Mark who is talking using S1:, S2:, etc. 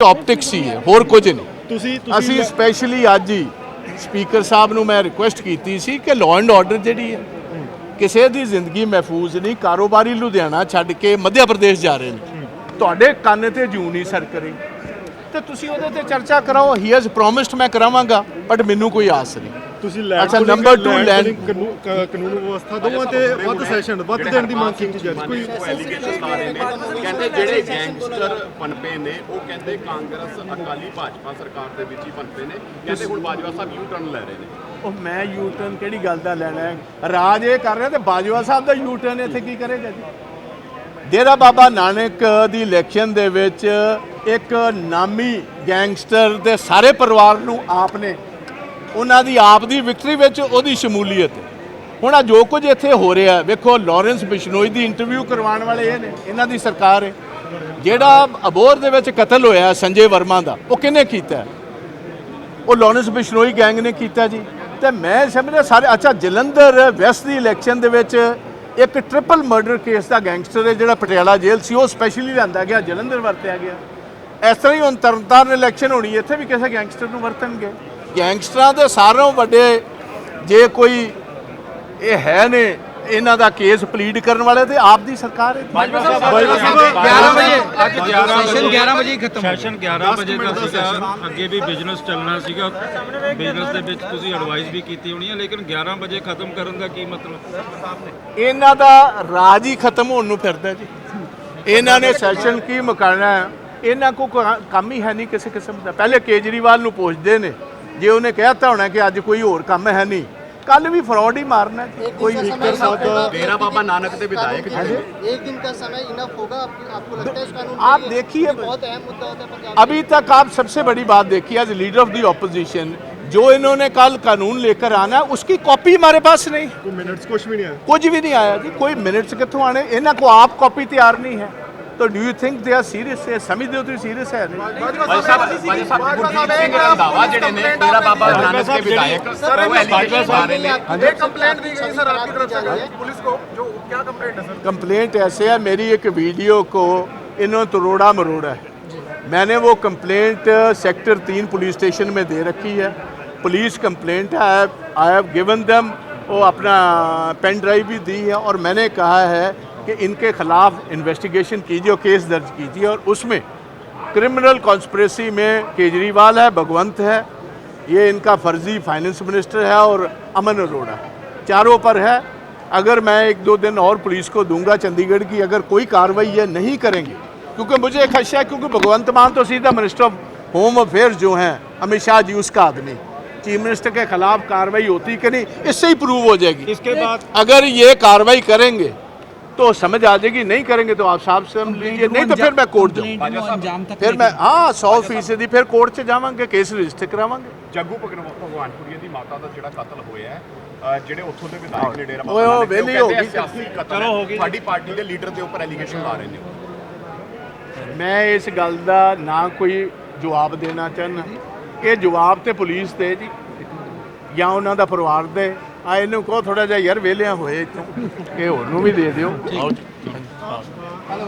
S1: Optics ही है, होर कुछ नहीं। ਅਸੀਂ ਸਪੈਸ਼ਲੀ ਅੱਜ ਹੀ ਸਪੀਕਰ ਸਾਹਿਬ ਨੂੰ ਮੈਂ ਰਿਕੁਐਸਟ ਕੀਤੀ ਸੀ ਕਿ ਲਾਅ ਐਂਡ ਆਰਡਰ ਜਿਹੜੀ ਹੈ ਕਿਸੇ ਦੀ ਜ਼ਿੰਦਗੀ ਮਹਿਫੂਜ਼ ਨਹੀਂ। ਕਾਰੋਬਾਰੀ ਲੁਧਿਆਣਾ ਛੱਡ ਕੇ ਮੱਧ ਪ੍ਰਦੇਸ਼ ਜਾ ਰਹੇ ਨੇ, ਤੁਹਾਡੇ ਕੰਨ ਤੇ ਜੂ ਨਹੀਂ ਸਰ ਕਰੇ ਤੇ ਤੁਸੀਂ ਉਹਦੇ ਤੇ ਚਰਚਾ ਕਰਾਓ। ਹੀ ਹੈਜ਼ ਪ੍ਰੋਮਿਸਡ ਮੈਂ ਕਰਾਵਾਂਗਾ, ਬਟ ਮੈਨੂੰ ਕੋਈ ਆਸ ਨਹੀਂ।
S2: ਤੁਸੀਂ
S1: ਅੱਛਾ, ਨੰਬਰ 2 ਲੈਂਡ
S2: ਕਾਨੂੰਨ ਵਿਵਸਥਾ ਦੋਵਾਂ ਤੇ ਵੱਧ ਸੈਸ਼ਨ ਵੱਧ ਦੇਣ ਦੀ ਮੰਗ ਕੀਤੀ ਜਾ ਰਹੀ ਹੈ। ਕੋਈ
S3: ਐਲੀਗੇਸ਼ਨ ਆ ਰਹੇ ਨੇ, ਕਹਿੰਦੇ ਜਿਹੜੇ ਗੈਂਗਸਟਰ ਪਨਪੇ ਨੇ ਉਹ ਕਹਿੰਦੇ ਕਾਂਗਰਸ ਅਕਾਲੀ ਭਾਜਪਾ ਸਰਕਾਰ ਦੇ ਵਿੱਚ ਹੀ ਪਨਪੇ ਨੇ। ਕਹਿੰਦੇ ਹੁਣ ਬਾਜਵਾ ਸਾਹਿਬ ਯੂ ਟਰਨ ਲੈ ਰਹੇ ਨੇ।
S1: ਉਹ ਮੈਂ ਯੂ ਟਰਨ ਕਿਹੜੀ ਗੱਲ ਦਾ ਲੈਣਾ ਹੈ? ਰਾਜ ਇਹ ਕਰ ਰਿਹਾ ਤੇ ਬਾਜਵਾ ਸਾਹਿਬ ਦਾ ਯੂ ਟਰਨ ਇੱਥੇ ਕੀ ਕਰੇਗਾ ਜੀ? ਡੇਰਾ ਬਾਬਾ ਨਾਨਕ ਦੀ ਇਲੈਕਸ਼ਨ ਦੇ ਵਿੱਚ ਇੱਕ ਨਾਮੀ ਗੈਂਗਸਟਰ ਦੇ ਸਾਰੇ ਪਰਿਵਾਰ ਨੂੰ ਆਪ ਨੇ ਉਹਨਾਂ ਦੀ ਆਪ ਦੀ ਵਿਕਟਰੀ ਵਿੱਚ ਉਹਦੀ ਸ਼ਮੂਲੀਅਤ। ਹੁਣ ਆ ਜੋ ਕੁਝ ਇੱਥੇ ਹੋ ਰਿਹਾ ਵੇਖੋ, ਲਾਰੈਂਸ ਬਿਸ਼ਨੋਈ ਦੀ ਇੰਟਰਵਿਊ ਕਰਵਾਉਣ ਵਾਲੇ ਇਹ ਨੇ, ਇਹਨਾਂ ਦੀ ਸਰਕਾਰ ਹੈ। ਜਿਹੜਾ ਅਬੋਹਰ ਦੇ ਵਿੱਚ ਕਤਲ ਹੋਇਆ ਸੰਜੇ ਵਰਮਾ ਦਾ, ਉਹ ਕਿਹਨੇ ਕੀਤਾ? ਉਹ ਲਾਰੈਂਸ ਬਿਸ਼ਨੋਈ ਗੈਂਗ ਨੇ ਕੀਤਾ ਜੀ। ਤੇ ਮੈਂ ਸਮਝਦਾ ਸਾਰੇ ਅੱਛਾ, ਜਲੰਧਰ ਵੈਸਟ ਦੀ ਇਲੈਕਸ਼ਨ ਦੇ ਵਿੱਚ ਇੱਕ ਟ੍ਰਿਪਲ ਮਰਡਰ ਕੇਸ ਦਾ ਗੈਂਗਸਟਰ ਹੈ ਜਿਹੜਾ ਪਟਿਆਲਾ ਜੇਲ੍ਹ ਸੀ, ਉਹ ਸਪੈਸ਼ਲੀ ਲਿਆਂਦਾ ਗਿਆ, ਜਲੰਧਰ ਵਰਤਿਆ ਗਿਆ। ਇਸ ਤਰ੍ਹਾਂ ਹੀ ਹੁਣ ਤਰਨਤਾਰਨ ਇਲੈਕਸ਼ਨ ਹੋਣੀ, ਇੱਥੇ ਵੀ ਕਿਸੇ ਗੈਂਗਸਟਰ ਨੂੰ ਵਰਤਣਗੇ। ਗੈਂਗਸਟਰਾਂ ਦੇ ਸਾਰਿਆਂ ਵੱਡੇ ਜੇ ਕੋਈ ਇਹ ਹੈ ਨੇ ਇਹਨਾਂ ਦਾ ਕੇਸ ਪਲੀਡ ਕਰਨ ਵਾਲੇ ਤੇ ਆਪ ਦੀ ਸਰਕਾਰ ਹੈ।
S4: 11 ਵਜੇ ਖਤਮ ਸੈਸ਼ਨ 11 ਵਜੇ ਦਾ ਸੀਗਾ। ਅੱਗੇ ਵੀ ਬਿਜ਼ਨਸ ਚੱਲਣਾ ਸੀਗਾ, ਬਿਜ਼ਨਸ ਦੇ ਵਿੱਚ ਤੁਸੀਂ ਐਡਵਾਈਸ ਵੀ ਕੀਤੀ ਹੋਣੀ ਹੈ, ਲੇਕਿਨ 11 ਵਜੇ ਖਤਮ ਕਰਨ ਦਾ ਕੀ ਮਤਲਬ?
S1: ਇਹਨਾਂ ਦਾ ਰਾਜ ਹੀ ਖਤਮ ਹੋਣ ਨੂੰ ਫਿਰਦਾ ਜੀ। ਇਹਨਾਂ ਨੇ ਸੈਸ਼ਨ ਕੀ ਮੁਕਾਉਣਾ ਹੈ? ਇਹਨਾਂ ਕੋ ਕੰਮ ਹੀ ਹੈ ਨਹੀਂ ਕਿਸੇ ਕਿਸਮ ਦਾ। ਪਹਿਲੇ ਕੇਜਰੀਵਾਲ ਨੂੰ ਪੁੱਛਦੇ ਨੇ, ਜੇ ਉਹਨੇ ਕਹਿਤਾ ਹੋਣਾ ਕਿ ਅੱਜ ਕੋਈ ਹੋਰ ਕੰਮ ਹੈ ਨਹੀਂ, ਕੱਲ ਵੀ ਫਰਾਡ ही मारना है। कोई
S3: डेरा बाबा नानक के विधायक
S5: एक दिन का समय इनफ होगा आपको लगता है इस कानून?
S1: आप देखिए,
S5: बहुत अहम मुद्दा होता है पंजाब।
S1: अभी तक आप सबसे बड़ी बात देखिए, as leader of the opposition जो इन्होंने कल कानून लेकर आना है उसकी कॉपी हमारे पास नहीं,
S2: ਕੋਈ ਮਿੰਟਸ ਕੁਝ ਵੀ ਨਹੀਂ ਆਇਆ।
S1: कुछ भी नहीं आया जी। कोई मिनट्स कितों आने? इन्हों को आप कॉपी तैयार नहीं है। तो do you think they are serious? समझते हो तुम सीरियस है नहीं?
S3: ਗੁਰਜੀਤ ਸਿੰਘ ਰੰਧਾਵਾ ਜਿਹੜੇ ਨੇ ਡੇਰਾ ਬਾਬਾ ਨਾਨਕ ਦੇ ਵਿਧਾਇਕ ਉਹ ਐਲੀਗੇਸ਼ਨ ਆ ਰਹੇ ਨੇ।
S5: एक कंप्लेंट दी गई सर आपकी तरफ से पुलिस को, जो क्या कंप्लेंट है सर?
S1: कंप्लेंट ऐसे है, मेरी एक वीडियो को इन्होंने तोड़ा मरोड़ा है। मैंने वो कंप्लेंट सेक्टर 3 पुलिस स्टेशन में दे रखी है। पुलिस कंप्लेंट है, आई हैव गिवन देम, वो अपना पेन ड्राइव भी दी है और मैंने कहा है कि इनके खिलाफ इन्वेस्टिगेशन कीजिए और केस दर्ज कीजिए। और उसमें क्रिमिनल कॉन्स्पिरेसी में केजरीवाल है, भगवंत है, ये इनका फर्जी फाइनेंस मिनिस्टर है और अमन अरोड़ा, चारों पर है। अगर मैं 1-2 दिन और पुलिस को दूंगा चंडीगढ़ की, अगर कोई कार्रवाई ये नहीं करेंगे, क्योंकि मुझे खदशा है, क्योंकि भगवंत मान तो सीधा मिनिस्टर ऑफ होम अफेयर्स जो हैं अमित शाह जी, उसका आदमी, चीफ मिनिस्टर के खिलाफ कार्रवाई होती कि नहीं, इससे ही प्रूव हो जाएगी।
S4: इसके बाद
S1: अगर ये कार्रवाई करेंगे तो समझ आ जाएगी, नहीं करेंगे तो आप साहब समझ लीजिए, नहीं तो फिर मैं कोर्ट जाऊँ, फिर मैं 100% फिर कोर्ट से जावांगे, केस रजिस्टर करावांगे।
S3: ਜੱਗੂ ਭਗਵਾਨਪੁਰੀਆ ਦੀ ਮਾਤਾ ਦਾ ਜਿਹੜਾ ਕਤਲ ਹੋਇਆ ਹੈ, ਜਿਹੜੇ ਉੱਥੋਂ ਦੇ ਵਿਧਾਇਕ ਨੇ ਡੇਰਾ
S1: ਓਏ, ਉਹ
S3: ਬਾਬਾ ਨਾਨਕ ਦੇ,
S1: ਵਿਹਲੀ
S3: ਉਹ
S1: ਹੋ
S3: ਕਹਿੰਦੇ
S1: ਗਈ।
S3: ਸਿਆਸੀ ਕਤਲ ਹੈ, ਸਾਡੀ ਪਾਰਟੀ ਦੇ ਲੀਡਰ ਦੇ ਉੱਪਰ ਐਲੀਗੇਸ਼ਨ ਲਾ ਰਹੇ ਨੇ।
S1: ਮੈਂ ਇਸ ਗੱਲ ਦਾ ਨਾ ਕੋਈ ਜਵਾਬ ਦੇਣਾ ਚਾਹੁੰਦਾ। ਇਹ ਜਵਾਬ ਤੇ ਪੁਲਿਸ ਦੇ ਜੀ ਜਾਂ ਉਹਨਾਂ ਦਾ ਪਰਿਵਾਰ ਦੇ। ਆ ਇਹਨੂੰ ਕਹੋ ਥੋੜਾ ਜਿਹਾ ਯਾਰ ਵਿਹਲਿਆਂ ਹੋਏ ਇੱਥੋਂ, ਇਹ ਹੋਰ ਨੂੰ ਵੀ ਦੇ ਦਿਓ।